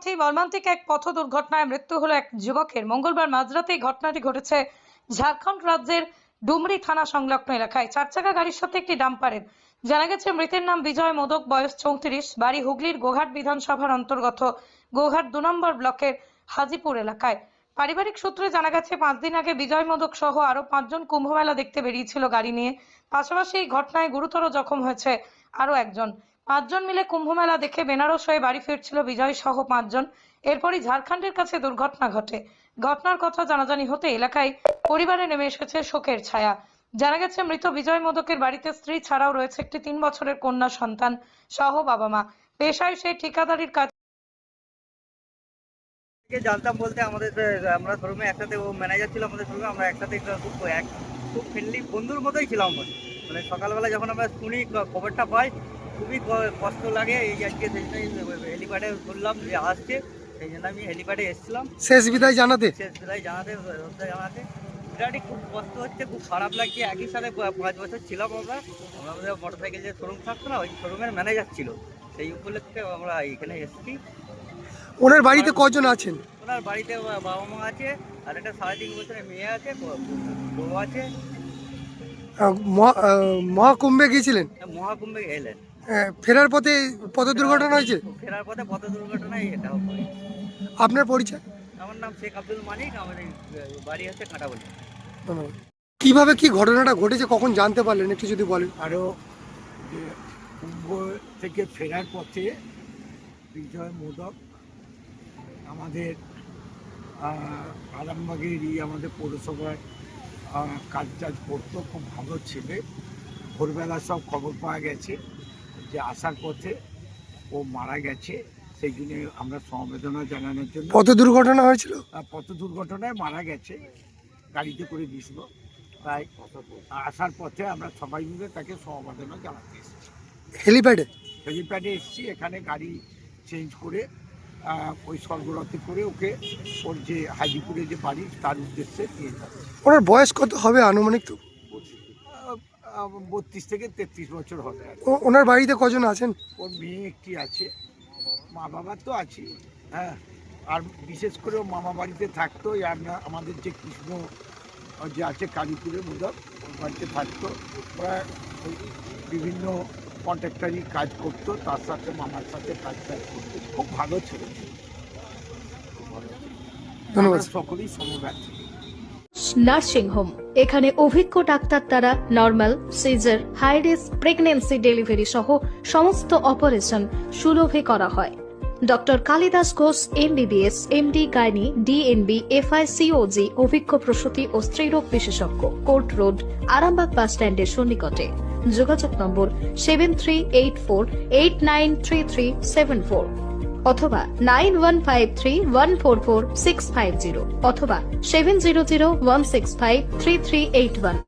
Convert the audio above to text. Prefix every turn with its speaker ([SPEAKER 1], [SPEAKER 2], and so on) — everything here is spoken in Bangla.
[SPEAKER 1] পথেই মর্মান্তিক এক পথ দুর্ঘটনায় মৃত্যু হলো এক যুবকের। মঙ্গলবার মাঝরাতে এই ঘটনাটি ঘটেছে ঝাড়খণ্ড রাজ্যের ডুমরি থানা সংলগ্ন এলাকায়। 4 চাকা গাড়ির সাথে একটি ডাম্পারের। জানা গেছে মৃতের নাম বিজয় মোদক, বয়স 34, বাড়ি হুগলির গোঘাট বিধানসভার অন্তর্গত গোঘাট 2 নম্বর ব্লকের হাজিপুর এলাকায়। পারিবারিক সূত্রে জানা গেছে 5 দিন আগে বিজয় মোদক সহ আরো 5 জন কুম্ভমেলা দেখতে বেরিয়েছিল গাড়ি নিয়ে। পাশাপাশি এই ঘটনায় গুরুতর জখম হয়েছে আরো একজন। 5 জন মিলে কুম্ভমেলা দেখে বেনারস হয়ে বাড়ি ফিরছিল বিজয় সহ 5 জন। এরপরই ঝাড়খণ্ডের কাছে দুর্ঘটনা ঘটে। ঘটনার কথা জানাজানি হতে এলাকায় পরিবারে নেমে এসেছে শোকের ছায়া। জানা গেছে মৃত বিজয় মোদকের বাড়িতে স্ত্রী ছাড়াও রয়েছে একটি 3 বছরের কন্যা সন্তান সহ বাবা মা। পেশায় সে ঠিকাদারির কাজ
[SPEAKER 2] জানতাম বলতে আমরা শোরুমে একসাথে, ও ম্যানেজার ছিল আমাদের শোরুমে, আমরা একসাথে খুব ফ্রেন্ডলি বন্ধুর মতোই ছিলাম। মানে সকালবেলা যখন আমরা শুনি খবরটা পাই খুবই কষ্ট লাগে। এই আজকে সেই জন্য হেলিপ্যাডে শুনলাম যে আসছে, সেই জন্য আমি হেলিপ্যাডে এসেছিলাম
[SPEAKER 3] শেষ বিদায় জানাতে।
[SPEAKER 2] বিরাটই খুব কষ্ট হচ্ছে, খুব খারাপ লাগছে। একই সাথে 5 বছর ছিলাম আমরা। আমাদের মোটরসাইকেল যে শোরুম থাকতো না, ওই শোরুমের ম্যানেজার ছিল। সেই উপলক্ষে আমরা এখানে এসেছি।
[SPEAKER 3] ওনার বাড়িতে কজন আছেন?
[SPEAKER 2] ওনার বাড়িতে বাবা মা আছে, আর একটা 3.5 বছরের মেয়ে আছে, বউ আছে।
[SPEAKER 3] মহাকুম্ভে গিয়েছিলেন?
[SPEAKER 2] মহাকুম্ভে এলেন।
[SPEAKER 3] ফেরার পথে পথ দুর্ঘটনা হয়েছে?
[SPEAKER 2] ফেরার পথে পথ দুর্ঘটনায় এটা হয়।
[SPEAKER 3] আপনার পরিচয়?
[SPEAKER 2] আমার নাম শেখ আব্দুল মালিক, আমাদের বাড়ি হচ্ছে কাঁটাবলি।
[SPEAKER 3] কিভাবে কি ঘটনাটা ঘটেছে, কখন জানতে পারলেন একটু যদি বলেন।
[SPEAKER 4] আরও কুম্ভ থেকে ফেরার পথে বিজয় মোদক আমাদের আরামবাগেরই আমাদের পৌরসভায় কাজ করতো, খুব ভালো ছেলে। ভোরবেলা সব খবর পাওয়া গেছে যে আসার পথে ও মারা গেছে। সেই জন্য আমরা সমবেদনা জানানোর জন্য,
[SPEAKER 3] পথ দুর্ঘটনা হয়েছিল,
[SPEAKER 4] পথ দুর্ঘটনায় মারা গেছে, গাড়িতে করে দিয়েছিল। তাই আসার পথে আমরা সবাই মিলে তাকে সমবেদনা জানাতে এসেছি। হেলিপ্যাডে এসেছি। এখানে গাড়ি চেঞ্জ করে ওই স্বর্গরথে করে ওকে ওর যে হাজিপুরে যে বাড়ি তার উদ্দেশ্যে নিয়ে যাচ্ছে।
[SPEAKER 3] ওনার বয়স কত হবে আনুমানিক? তো
[SPEAKER 4] 32 থেকে 33 বছর হবে।
[SPEAKER 3] ওনার বাড়িতে কজন আছেন?
[SPEAKER 4] ওর মেয়ে একটি আছে, মা বাবা তো আছে। হ্যাঁ, আর বিশেষ করে ও মামা বাড়িতে থাকতো। আমাদের যে কৃষ্ণ যে আছে কালীপুরের মোদক, ওর বাড়িতে থাকতো। ওরা বিভিন্ন কন্ট্রাক্টারি কাজ করতো, তার সাথে মামার সাথে কাজ করতো। খুব ভালো ছিল।
[SPEAKER 3] ধন্যবাদ।
[SPEAKER 4] সকলেই সমব্যথী।
[SPEAKER 5] নার্সিং হোম, এখানে অভিজ্ঞ ডাক্তার দ্বারা normal, caesar, high risk pregnancy, delivery সহ সমস্ত অপারেশন সুলভে করা হয়। Doctor Kalidas Ghosh MBBS, MD gynae, DNB, FICOG অভিজ্ঞ প্রসূতি ও স্ত্রীরোগ বিশেষজ্ঞ, কোর্ট রোড, আরামবাগ বাস স্ট্যান্ডের সন্নিকটে। যোগাযোগ নম্বর 7384893374 অথবা 9153144650 অথবা 7001653381।